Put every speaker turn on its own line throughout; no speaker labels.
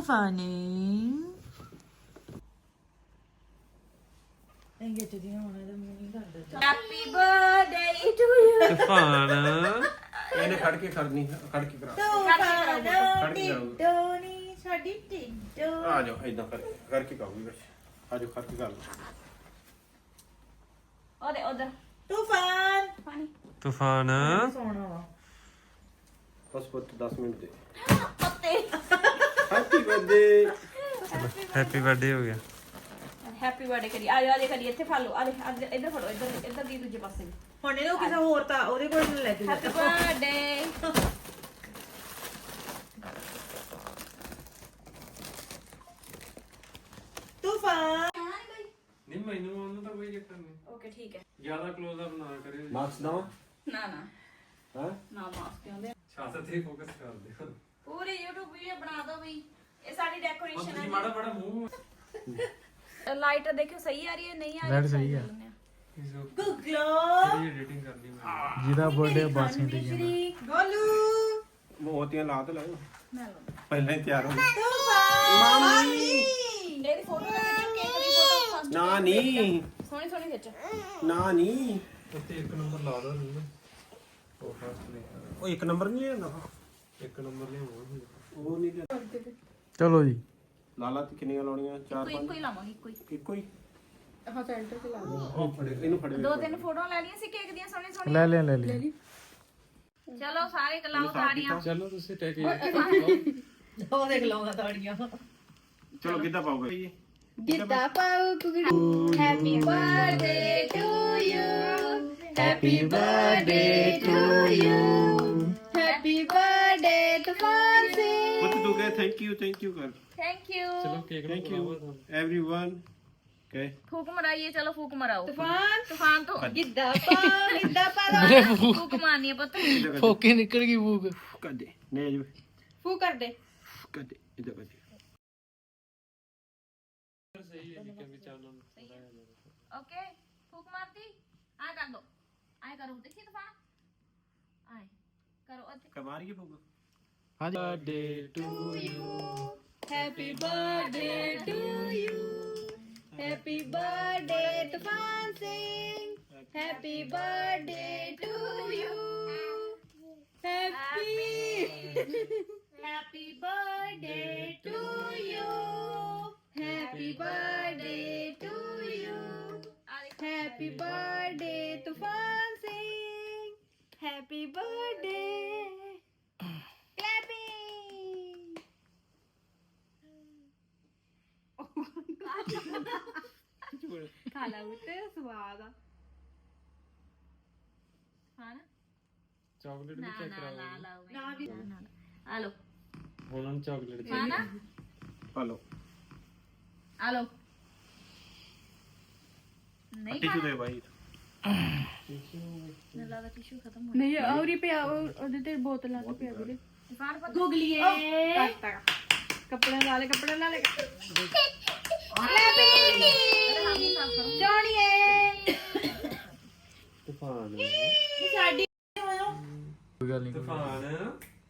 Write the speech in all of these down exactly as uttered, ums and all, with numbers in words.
ਤੂਫਾਨੀ happy birthday to you
Toofan
ਇਹਨੇ ਖੜ ਕੇ ਕਰਨੀ ਖੜ ਕੇ ਕਰਾ
ਤੂਫਾਨ ਟਿੱਡੋਨੀ ਸਾਡੀ ਟਿੱਡੋ
ਆ ਜਾਓ ਇਦਾਂ ਕਰ ਕਰਕੇ ਕਹੂਗੀ ਬਸ ਆ ਜਾਓ ਖੜ ਕੇ ਕਰ ਲਓ
ਉਹਦੇ ਉਧਰ ਤੂਫਾਨ ਪਾਣੀ
ਤੂਫਾਨ
ਸੋਣਾ ਵਾ
ਬਸ ਪੁੱਤ ਦਸ ਮਿੰਟ ਦੇ
ਪੱਤੇ
ਹੈਪੀ ਬਰਥਡੇ
ਹੈਪੀ ਬਰਥਡੇ ਹੋ ਗਿਆ
ਹੈਪੀ ਬਰਥਡੇ ਕਰੀ ਆ ਜਾ ਦੇ ਕਰੀ ਇੱਥੇ ਫੜ ਲਓ ਆ ਦੇ ਇੱਧਰ ਫੜੋ ਇੱਧਰ ਇੱਧਰ ਦੀ ਦੂਜੇ ਪਾਸੇ ਹੁਣ ਇਹਨੂੰ ਕਿਸੇ ਹੋਰ ਤਾਂ ਉਹਦੇ ਕੋਲ ਲੈ ਕੇ ਹੈਪੀ ਬਰਥਡੇ ਤੂਫਾਨ
ਨਹੀਂ ਮੈਨੂੰ ਉਹਨੂੰ ਤਾਂ ਕੋਈ ਚੱਕਰ ਨਹੀਂ
ਓਕੇ ਠੀਕ ਹੈ
ਜ਼ਿਆਦਾ ক্লোਜ਼ ਅਪ ਨਾ ਕਰਿਓ
ਮਾਰਕਸ ਦਵਾ
ਨਾ ਨਾ
ਹਾਂ
ਨਾ ਮਾਸਕ ਕਿਉਂਦੇ
ਛਾਤੀ ਤੇ ਫੋਕਸ ਕਰ ਦਿਓ
ਪੂਰੀ YouTube ਵੀਡੀਓ ਬਣਾ ਦਿਓ ਵੀ ਇਹ ਸਾਡੀ ਡੈਕੋਰੇਸ਼ਨ
ਤੁਸੀਂ
ਹੈ
ਮਾੜਾ ਮਾੜਾ ਮੂੰਹ
ਲਾਈਟ ਦੇਖਿਓ ਸਹੀ ਆ ਰਹੀ ਹੈ ਨਹੀਂ ਆ ਰਹੀ
ਲਾਈਟ ਸਹੀ ਆ
ਗੁਗਲੋ
ਕਿਹੜੀ ਐਡੀਟਿੰਗ ਕਰਨੀ ਮੈਂ
ਜਿਹਦਾ ਬਰਥਡੇ ਬਾਸੀ ਤੇ ਗਿਆ
ਗੋਲੂ
ਮੋਤੀਆਂ ਲਾ ਤੇ ਲਾਓ
ਮੈਂ ਲਾਉਂਦਾ
ਪਹਿਲਾਂ ਹੀ ਤਿਆਰ ਹੋ
ਮਾਮੀ ਇਹਦੀ ਫੋਟੋ ਲੈ ਕੇ ਕੇਕ ਦੀ ਫੋਟੋ ਫਸਟ
ਨਾ ਨਹੀਂ
ਸੋਹਣੀ ਸੋਹਣੀ ਖਿੱਚ
ਨਾ ਨਹੀਂ
ਉੱਤੇ ਇੱਕ ਨੰਬਰ ਲਾ ਦੋ ਨਹੀਂ ਉਹ ਫਸਟ ਨੇ
ਉਹ ਇੱਕ ਨੰਬਰ ਨਹੀਂ ਲੈਂਦਾ
ਇੱਕ ਨੰਬਰ ਲਿਆਉਣਾ
ਉਹ ਨਹੀਂ ਲੈਂਦਾ
ਚਲੋ ਜੀ
ਲਾਲਾ ਤੇ ਕਿੰਨੀਆਂ ਲਾਉਣੀਆਂ ਚਾਰ
ਕੋਈ
ਪੰਜ
ਕੋਈ ਲਾਵਾਂਗੀ ਕੋਈ
ਇੱਕੋ ਹੀ
ਹਾਂ ਸੈਂਟਰ ਤੇ ਲਾ
ਉਹ ਫੜੇ ਇਹਨੂੰ ਫੜੇ
ਦੋ ਤਿੰਨ ਫੋਟੋਆਂ ਲੈ ਲਈਆਂ ਸੀ ਕੇਕ ਦੀਆਂ ਸੋਹਣੀ ਸੋਹਣੀ
ਲੈ ਲਿਆ ਲੈ ਲਿਆ
ਚਲੋ ਸਾਰੇ ਕਲਾਓ ਤਾੜੀਆਂ
ਚਲੋ ਤੁਸੀਂ ਟੈਕ
ਉਹ ਦੇਖ ਲਾਉਂਗਾ ਤਾੜੀਆਂ
ਚਲੋ ਕਿੱਦਾਂ ਪਾਓਗੇ
ਗਿੱਧਾ ਪਾਓ ਕੁੜੀ happy birthday to you happy birthday to you happy birthday Toofan Singh
ਪੁੱਤ ਤੂੰ ਕਹੇ ਥੈਂਕ ਯੂ ਥੈਂਕ ਯੂ ਕਰ
ਥੈਂਕ ਯੂ
ਚਲੋ ਕੇਕ ਨੂੰ
ਥੈਂਕ
ਖਵਾਓ
ਯੂ
ਤੁਹਾਨੂੰ
एवरीवन कहे
ਫੂਕ ਮਰਾਈਏ ਚਲੋ ਫੂਕ ਮਰਾਓ ਤੂਫਾਨ ਤੂਫਾਨ ਤੋਂ
ਗਿੱਧਾ
ਪਾ ਗਿੱਧਾ ਪਾ ਫੂਕ ਮਾਰਨੀ ਹੈ ਪੁੱਤ
ਫੋਕੇ ਨਿਕਲ ਗਈ ਬੂਕ
कर दे नहीं
ਫੂਕ ਕਰ ਦੇ
कर दे इधर कर दे
ਸਹੀ ਹੈ ਜੀ ਕਿ ਚੱਲ
ओके फूक मारती आ कर दो आए करो देखिए तूफान आए करो अच्छे
कमार की फूक
ਹਾਂਜੀ
birthday to you
happy birthday to you happy birthday Toofan Singh happy birthday to you happy happy birthday to you happy birthday to you happy birthday Toofan Singh happy birthday clapping खाला उते स्वाद हाँ ना
ਚਾਕਲੇਟ ਵੀ ਚੈੱਕ ਕਰਾਓ
ना भी आलो
ਉਹਨਾਂ ਨੂੰ ਚਾਕਲੇਟ
हाँ ना
पालो
आलो नहीं
टिश्यू दे भाई
ना लगा टिश्यू खत्म हो
नहीं और ही पे ਉਹਦੇ ਤੇ ਬੋਤਲਾਂ ਤੇ ਪਿਆ ਵੀਰੇ
तूफान पर गूगलिए
ਕੱਪੜੇ ਲਾ ਲੈ ਕੱਪੜੇ ਲਾ ਲੈ
ਜੋਣੀਏ
ਤੂਫਾਨ
ਸਾਡੀ
ਕੋਈ ਗੱਲ ਨਹੀਂ
ਤੂਫਾਨ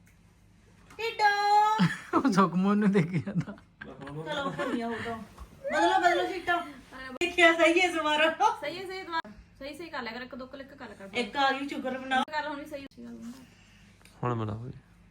ਟਿੱਡੋ
ਸੁਖਮਨ ਨੂੰ ਦੇਖੀ ਜਾਂਦਾ
ਚਲੋ ਭੰਨੀਆਂ ਹੋਗਾ ਬਦਲੋ ਬਦਲੋ ਸੀਟਾਂ ਦੇਖਿਆ ਸਹੀ ਹੈ ਸਮਾਰਾ ਸਹੀ ਹੈ ਸਹੀ ਦੁਬਾਰਾ ਸਹੀ ਸਹੀ ਕਰ ਲਿਆ ਕਰ ਇੱਕ ਦੋ ਕਲਿੱਕ ਕਰ ਲਿਆ ਕਰ ਇੱਕ ਆ ਗਈ ਸ਼ੁਕਰ ਬਣਾ ਗੱਲ ਹੋਣੀ ਸਹੀ
ਹੁਣ ਬਣਾਓ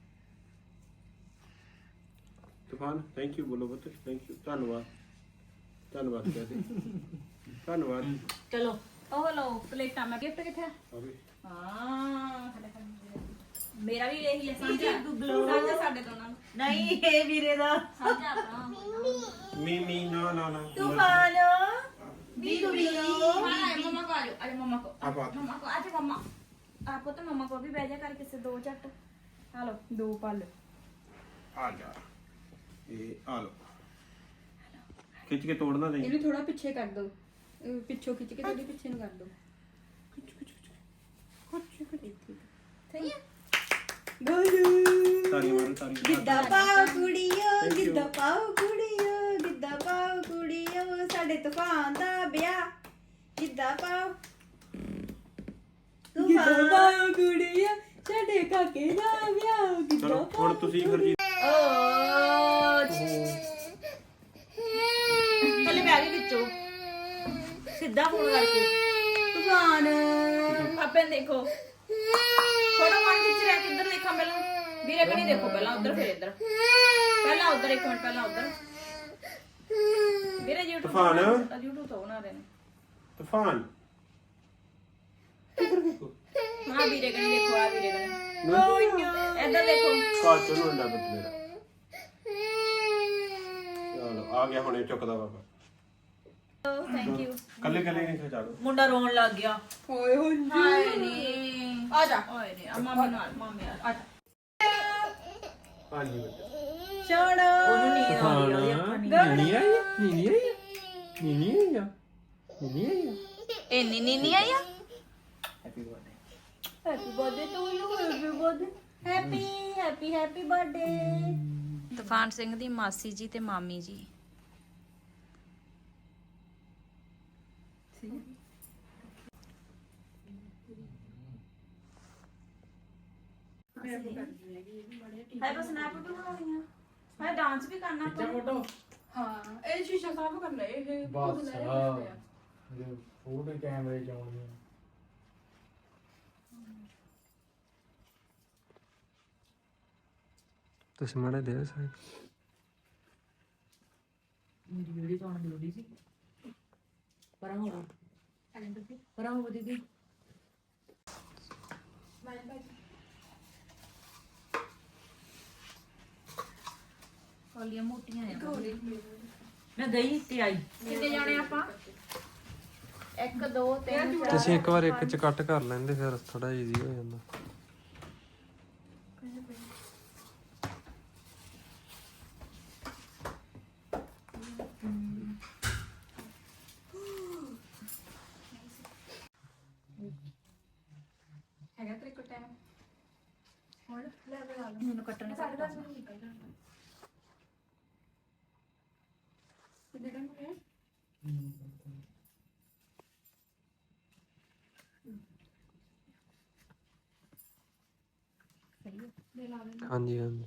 तूफान थैंक यू बोलो पुत्र थैंक यू धन्यवाद धन्यवाद कहते धन्यवाद
ਚਲੋ ਉਹ ਲਓ ਪਲੇਟਾਂ ਮੈਂ ਗਿਫਟ ਕਿੱਥੇ
अभी
ਹਾਂ ਮੇਰਾ ਵੀ ਇਹੀ ਹੈ ਸਾਂਝਾ ਸਾਂਝਾ ਸਾਡੇ ਦੋਨਾਂ ਨੂੰ ਨਹੀਂ ਇਹ ਵੀਰੇ ਦਾ ਸਾਂਝਾ ਆਪਣਾ
मी मी ना ना ना
ਤੂਫਾਨ ਬੀਗੂ ਬੀਗੂ ਹਾਂ ਮਮਾ ਕੋ ਆ ਜਾ ਮਮਾ ਕੋ
आप आ
ਮਮਾ ਕੋ ਆ ਜਾ ਮਮਾ ਆਪੋ ਤਾਂ ਮਮਾ ਕੋ ਵੀ ਬਹਿ ਜਾ ਕਰ ਕਿਸੇ ਦੋ ਝੱਟ ਹਾਲੋ
ਦੋ ਪਲ
आ जा ये आ लो खिंच के तोड़ना नहीं
ਇਹਨੂੰ ਥੋੜਾ ਪਿੱਛੇ ਕਰ ਦੋ ਪਿੱਛੋਂ ਖਿੱਚ ਕੇ ਥੋੜੀ ਪਿੱਛੇ ਨੂੰ ਕਰ ਦੋ
ਸਹੀ ਹੈ
ताली मारो ताली
ਗਿੱਧਾ ਪਾਓ ਕੁੜੀਓ ਗਿੱਧਾ ਪਾਓ ਕੁੜੀਓ ਗਿੱਧਾ ਪਾਓ ਕੁੜੀਓ ਸਾਡੇ ਤੂਫਾਨ ਦਾ ਵਿਆਹ ਗਿੱਧਾ ਪਾਓ ਤੂਫਾਨ
ਪਾਓ ਕੁੜੀਆ ਸਾਡੇ ਕਾਕੇ ਦਾ ਵਿਆਹ
चलो हुण तुसी फिर जी
ਓ ਸਿੱਧਾ ਫੋਨ ਕਰਕੇ
ਤੂਫਾਨ
ਆਪੇ ਦੇਖੋ ਫੋਟੋ ਮਾਰ ਖਿੱਚ ਰਿਹਾ ਕਿੱਧਰ ਦੇਖਾਂ ਪਹਿਲਾਂ ਵੀਰੇ ਕਣੀ ਦੇਖੋ ਪਹਿਲਾਂ ਉਧਰ ਫਿਰ ਇੱਧਰ ਪਹਿਲਾਂ ਉਧਰ ਇੱਕ ਮਿੰਟ ਪਹਿਲਾਂ ਉਧਰ ਵੀਰੇ YouTube
ਤੂਫਾਨ।
YouTube ਤੋਂ ਬਣਾ ਰਹੇ ਨੇ
ਤੂਫਾਨ
ਹਾਂ ਵੀਰੇ ਕਣੀ ਦੇਖੋ ਆ ਵੀਰੇ ਕਣੀ ਇੱਧਰ ਦੇਖੋ
ਕਾਚ ਨੂੰ ਅੰਡਾ ਬੱਤ ਮੇਰਾ ਚਲੋ ਆ ਗਿਆ ਹੁਣੇ ਚੁੱਕਦਾ ਬਾਬਾ
ਥੈਂਕ ਯੂ
ਕੱਲੇ ਕੱਲੇ ਨਹੀਂ ਖਿਚਾ
ਮੁੰਡਾ ਰੋਣ ਲੱਗ ਗਿਆ
ਹੋਏ ਹੋਏ
ਹਾਏ ਨੀ
ਆ ਜਾ
ਓਏ ਨੀ ਆ ਮਾਮੇ ਨਾਲ ਮਾਮੇ ਨਾਲ
ਆ ਜਾ
ਹਾਂਜੀ ਬੱਚਾ
ਛੋੜ
ਉਹਨੂੰ ਨੀਂਦ ਆਉਂਦੀ ਆ ਉਹਦੀ ਅੱਖਾਂ ਨੀ
ਨਹੀਂ ਆਈ ਨਹੀਂ ਆਈ ਨਹੀਂ ਆਈ ਨਹੀਂ ਆਈ
ਇੰਨੀ ਨੀਨੀ ਆਈ ਆ
happy birthday to you happy birthday happy happy happy birthday
Toofan Singh ਦੀ ਮਾਸੀ ਜੀ ਤੇ ਮਾਮੀ ਜੀ ਹੈ ਬਸ ਸਨੈਪ ਵੀ ਬਣਾਉਣੀ ਆ ਮੈਂ ਡਾਂਸ ਵੀ ਕਰਨਾ ਆਪਾਂ
ਫੋਟੋ
ਹਾਂ ਇਹ ਸ਼ੀਸ਼ਾ ਸਾਫ ਕਰਨਾ ਇਹ
ਬਸ ਹਾਂ ਫੋਟੋ ਕੈਮਰੇ ਚ ਆਉਣੀ
ਤੁਸੀਂ ਮਾੜਾ ਦੇ ਸਾਈਡ
ਮੇਰੀ ਵੀਡੀਓ ਤੋਂ ਆਉਣ ਦੀ ਲੋੜੀ ਸੀ ਪਰਾਂ ਹੋ ਪਰਾਂ ਹੋ ਦੀਦੀ ਕੋਲੀਆਂ ਮੋਟੀਆਂ ਆ ਮੈਂ ਗਈ ਤੇ ਆਈ ਕਿੱਥੇ ਜਾਣੇ ਆਪਾਂ ਇੱਕ ਦੋ ਤਿੰਨ ਚਾਰ
ਤੁਸੀਂ ਇੱਕ ਵਾਰ ਇੱਕ ਚ ਕੱਟ ਕਰ ਲੈਂਦੇ ਫਿਰ ਥੋੜਾ ਈਜ਼ੀ ਹੋ ਜਾਂਦਾ
ਹੈਗਾ ਤੇਰੇ ਕੋਲ ਟਾਈਮ
ਹੁਣ ਲੈ ਬਣਾ ਲਓ ਮੈਨੂੰ ਕੱਟਣੇ ਸਾਡੇ ਦਸ ਮਿੰਟ ਨਿਕਲ ਜਾਣਾ
ਕਿੰਨੇ ਟਾਈਮ ਹੋ ਗਿਆ
ਹਾਂਜੀ ਹਾਂਜੀ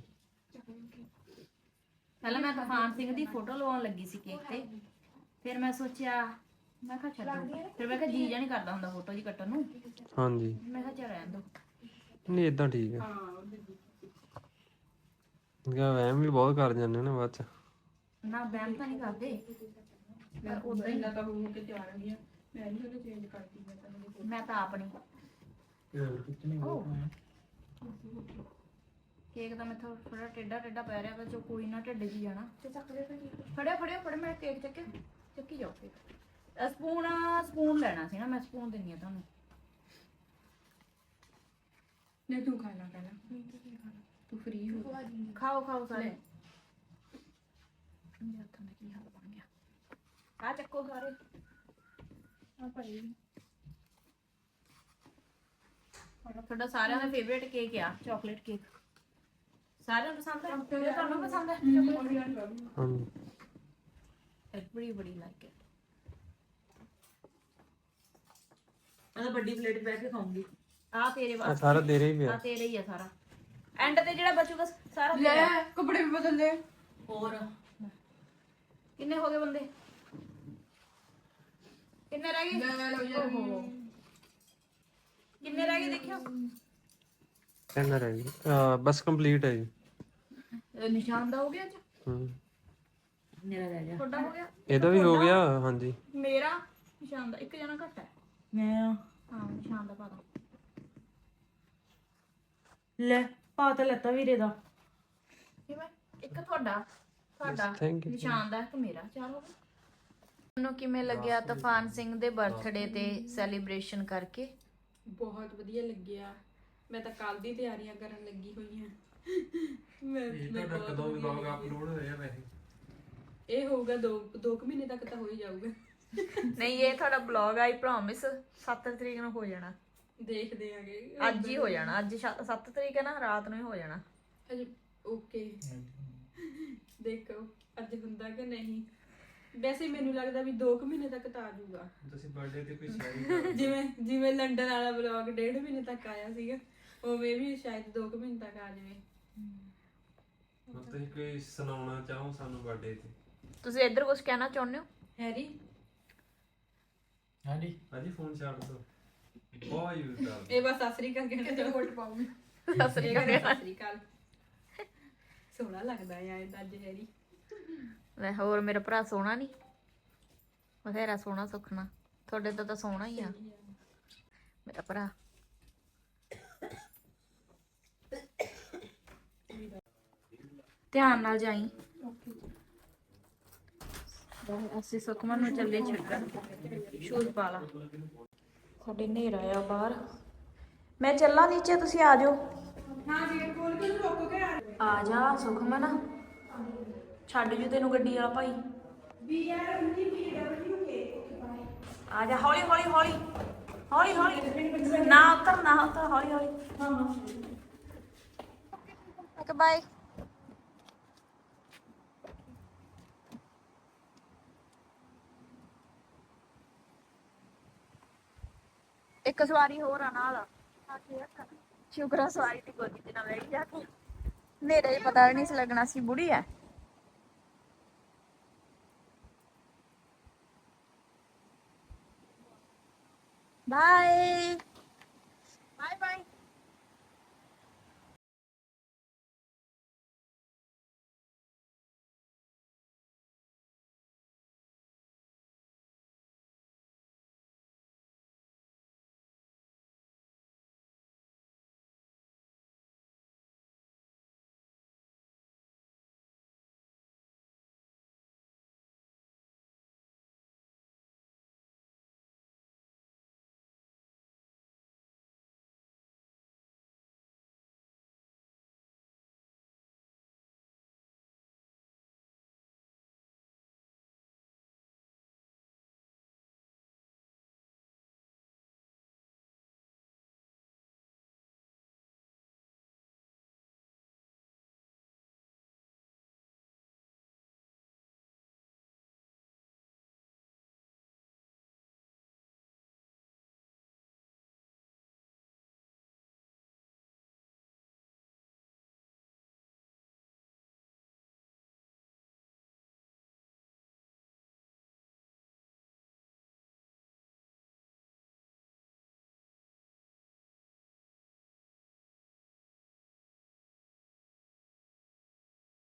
ਪਹਿਲਾਂ ਮੈਂ ਤੂਫਾਨ ਸਿੰਘ ਦੀ ਫੋਟੋ ਲਵਾਉਣ ਲੱਗੀ ਸੀ ਕੇਕ ਤੇ ਫਿਰ ਮੈਂ ਸੋਚਿਆ ਮੈਂ ਕਿਹਾ ਛੱਡੋ ਫਿਰ ਮੈਂ ਕਿਹਾ ਜੀ ਜਾਂ ਨਹੀਂ ਕਰਦਾ ਹੁੰਦਾ ਫੋਟੋ ਜੀ ਕੱਟਣ ਨੂੰ
ਹਾਂਜੀ
ਮੈਂ ਕਿਹਾ ਚੱਲ ਰਹਿਣ ਦੋ
ਨਹੀਂ ਇਦਾਂ ਠੀਕ ਹੈ ਗਾ ਵਹਿਮ ਵੀ ਬਹੁਤ ਕਰ ਜਾਂਦੇ ਨੇ ਬਾਅਦ ਚ
ਨਾ ਬੈਮ ਤਾਂ ਨਹੀਂ ਕਰਦੇ
ਮੈਂ ਉਦਾਂ ਹੀ ਨਾ ਤਾਂ ਹੋ ਕੇ ਤਿਆਰ ਹੋ ਗਿਆ ਮੈਂ ਨਹੀਂ ਉਹਨੇ ਚੇਂਜ ਕਰਤੀ ਮੈਂ ਤਾਂ
ਮੈਂ ਤਾਂ ਆਪ ਨਹੀਂ
ਹੋਰ ਕੁਝ ਨਹੀਂ ਹੋਣਾ
ਕੇਕ ਤਾਂ ਮੈਥੋਂ ਥੋੜਾ ਟੇਡਾ ਟੇਡਾ ਪੈ ਰਿਹਾ ਵਾ ਜੋ ਕੋਈ ਨਾ ਢਿੱਡ ਜੀ ਜਾਣਾ ਫੜਿਆ ਫੜਿਆ ਫੜ ਮੈਂ ਕੇਕ ਚੱਕੇ ਚੱਕੀ ਜਾਓ ਕੇਕ ਸਪੂਨ ਸਪੂਨ ਲੈਣਾ ਸੀ ਨਾ ਮੈਂ ਸਪੂਨ ਦਿੰਨੀ ਆ ਤੁਹਾਨੂੰ
ਨਹੀਂ ਤੂੰ ਖਾ ਲੈ ਪਹਿਲਾਂ ਤੂੰ ਫ੍ਰੀ ਹੋ
ਖਾਓ ਖਾਓ ਸਾਰੇ ਮੇਰੇ ਹੱਥਾਂ ਦਾ ਕੀ ਹਾਲ ਬਣ ਗਿਆ ਆ ਚੱਕੋ ਸਾਰੇ
ਆ ਭਾਈ
ਤੁਹਾਡਾ ਸਾਰਿਆਂ ਦਾ ਫੇਵਰੇਟ ਕੇਕ ਆ ਚਾਕਲੇਟ ਕੇਕ ਸਾਰਿਆਂ ਨੂੰ ਪਸੰਦ ਹੈ ਤੇ ਤੁਹਾਨੂੰ ਪਸੰਦ ਹੈ ਚਾਕਲੇਟ
ਹਾਂਜੀ
ਐਵਰੀਬਾਡੀ ਲਾਈਕ ਇਟ ਮੈਂ ਵੱਡੀ ਪਲੇਟ ਬੈਠ ਕੇ ਖਾਉਂਗੀ ਆ ਤੇਰੇ
ਆ
ਵਾਸਤੇ
ਸਾਰਾ ਤੇਰੇ ਹੀ
ਆ
ਪਿਆ
ਤੇਰੇ ਹੀ ਆ ਸਾਰਾ ਐਂਡ ਤੇ ਜਿਹੜਾ ਬਚੂਗਾ ਸਾਰਾ
ਲੈ
ਤੇਰਾ
ਕੱਪੜੇ ਵੀ ਬਦਲ ਲੈ
ਹੋਰ ਕਿੰਨੇ ਹੋ ਗਏ ਬੰਦੇ ਕਿੰਨੇ ਰਹਿ ਗਏ
ਲੈ ਲਓ ਯਾਰ
ਓਹੋ। ਕਿੰਨੇ ਰਹਿ ਗਏ ਦੇਖਿਓ
ਕਿੰਨਾ ਰਹਿ ਗਿਆ ਬਸ ਕੰਪਲੀਟ ਹੈ ਜੀ
ਇਹ ਨਿਸ਼ਾਨ ਦਾ ਹੋ ਗਿਆ ਅੱਜ
ਹੂੰ
ਮੇਰਾ ਰਹਿ ਗਿਆ ਤੁਹਾਡਾ ਹੋ ਗਿਆ
ਇਹਦਾ ਵੀ ਹੋ ਗਿਆ ਹਾਂਜੀ
ਮੇਰਾ ਨਿਸ਼ਾਨ ਦਾ ਇੱਕ ਜਣਾ ਘੱਟ ਹੈ
ਮੈਂ
ਹਾਂ ਨਿਸ਼ਾਨ ਦਾ ਪਾ ਦੋ
ਲੈ ਪਾ ਤਾਂ ਲੱਤਾ ਵੀਰੇ ਦਾ
ਕਿਵੇਂ ਇੱਕ ਤੁਹਾਡਾ ਤੁਹਾਡਾ
ਥੈਂਕ ਯੂ
ਨਿਸ਼ਾਨ ਦਾ ਇੱਕ ਮੇਰਾ ਚਾਰ ਹੋ ਗਏ ਤੁਹਾਨੂੰ ਕਿਵੇਂ ਲੱਗਿਆ ਤੂਫਾਨ ਸਿੰਘ ਦੇ ਬਰਥਡੇ ਤੇ ਸੈਲੀਬ੍ਰੇਸ਼ਨ ਕਰਕੇ
ਬਹੁਤ ਵਧੀਆ ਲੱਗਿਆ ਮੈਂ ਤਾਂ ਕੱਲ ਦੀ ਤਿਆਰੀਆਂ ਕਰਨ ਲੱਗੀ ਹੋਈ ਹਾਂ ਮੈਂ ਮੈਂ ਬਹੁਤ
ਕਦੋਂ
ਵਧੀਆ
ਵਲੌਗ ਅਪਲੋਡ ਹੋਇਆ ਵੈਸੇ
ਇਹ ਹੋਊਗਾ ਦੋ ਦੋ ਕੁ ਮਹੀਨੇ ਤੱਕ ਤਾਂ ਹੋ ਹੀ ਜਾਊਗਾ
ਨਹੀਂ ਇਹ ਤੁਹਾਡਾ ਬਲੌਗ ਆਈ ਪ੍ਰੋਮਿਸ ਸੱਤ ਤਰੀਕ ਨੂੰ ਹੋ ਜਾਣਾ
ਦੇਖਦੇ ਆਂਗੇ
ਅੱਜ ਹੀ ਹੋ ਜਾਣਾ ਅੱਜ ਸੱਤ ਤਰੀਕ ਹੈ ਨਾ ਰਾਤ ਨੂੰ ਹੀ ਹੋ ਜਾਣਾ
ਅਜੇ ਓਕੇ ਦੇਖੋ ਅੱਜ ਹੁੰਦਾ ਕਿ ਨਹੀਂ ਵੈਸੇ ਮੈਨੂੰ ਲੱਗਦਾ ਵੀ ਦੋ ਕੁ ਮਹੀਨੇ ਤੱਕ ਤਾਂ ਆ ਜਾਊਗਾ
ਤੁਸੀਂ ਬਰਥਡੇ ਤੇ ਕੋਈ ਸ਼ੇਅਰ
ਜਿਵੇਂ ਜਿਵੇਂ ਲੰਡਨ ਵਾਲਾ ਵਲੌਗ ਡੇਢ ਮਹੀਨੇ ਤੱਕ ਆਇਆ ਸੀਗਾ ਉਵੇਂ ਵੀ ਸ਼ਾਇਦ ਦੋ ਕੁ ਮਹੀਨੇ ਤੱਕ ਆ ਜਾਵੇ
ਤੁਸੀਂ ਕੋਈ ਸੁਣਾਉਣਾ ਚਾਹੋ ਸਾਨੂੰ ਬਰਥਡੇ ਤੇ
ਤੁਸੀਂ ਇੱਧਰ ਕੁਝ ਕਹਿਣਾ ਚਾਹੁੰਦੇ ਹੋ
ਹੈਰੀ
ਹਾਂਜੀ
ਅਜੀ ਫੋਨ ਛੱਡ ਦੋ ਬਹੁਤ ਯੂਜ਼ ਕਰ
ਇਹ ਬਸ ਆਸਰੀ ਕਰਕੇ ਕਿਤੇ ਕੋਟ ਪਾਉਂਗੀ
ਸਸਰੀ
ਸਸਰੀ ਕਾਲ ਸੋਹਣਾ ਲੱਗਦਾ ਆ ਇਹਦਾ ਜਹਰੀ
ਲੈ ਹੋਰ ਮੇਰਾ ਭਰਾ ਸੋਹਣਾ ਨਹੀਂ ਬਥੇਰਾ ਸੋਹਣਾ ਸੁਖਣਾ ਤੁਹਾਡੇ ਤੋਂ ਤਾਂ ਸੋਹਣਾ ਹੀ ਆ ਮੇਰਾ ਭਰਾ ਧਿਆਨ ਨਾਲ ਜਾਈ ਅਸੀਂ ਸੁਖਮਨ ਨੂੰ ਚੱਲੇ ਛੱਡਣ ਸ਼ੂਜ਼ ਪਾ ਲਾ ਸਾਡੇ ਹਨੇਰਾ ਆ ਬਾਹਰ ਮੈਂ ਚੱਲਾਂ ਨੀਚੇ ਤੁਸੀਂ ਆ ਜਾਓ
ਹਾਂ ਗੇਟ ਖੋਲ ਕੇ ਰੁਕ ਕੇ ਆ
ਆ ਜਾ ਸੁਖਮਨ ਛੱਡ ਜੂ ਤੈਨੂੰ ਗੱਡੀ ਵਾਲਾ ਭਾਈ
ਵੀ ਯਾਰ ਉਨੀ ਵੀ ਡਬਲਯੂ ਕੇ
ਆ ਜਾ ਹੌਲੀ ਹੌਲੀ ਹੌਲੀ ਹੌਲੀ ਹੌਲੀ ਨਾ ਉਤਰ ਨਾ ਉਤਰ ਹੌਲੀ ਹੌਲੀ ਹਾਂ ਹਾਂ ਓਕੇ ਬਾਏ ਇੱਕ ਸਵਾਰੀ ਹੋਰ ਆ ਨਾਲ ਸ਼ੁਕਰ ਆ ਸਵਾਰੀ ਦੀ ਗੋਦੀ ਤੇ ਨਾ ਬੈਠ ਜਾ ਕੇ ਮੇਰੇ ਪਤਾ ਨਹੀਂ ਸੀ ਲੱਗਣਾ ਸੀ ਬੁੜੀ ਆ ਬਾਏ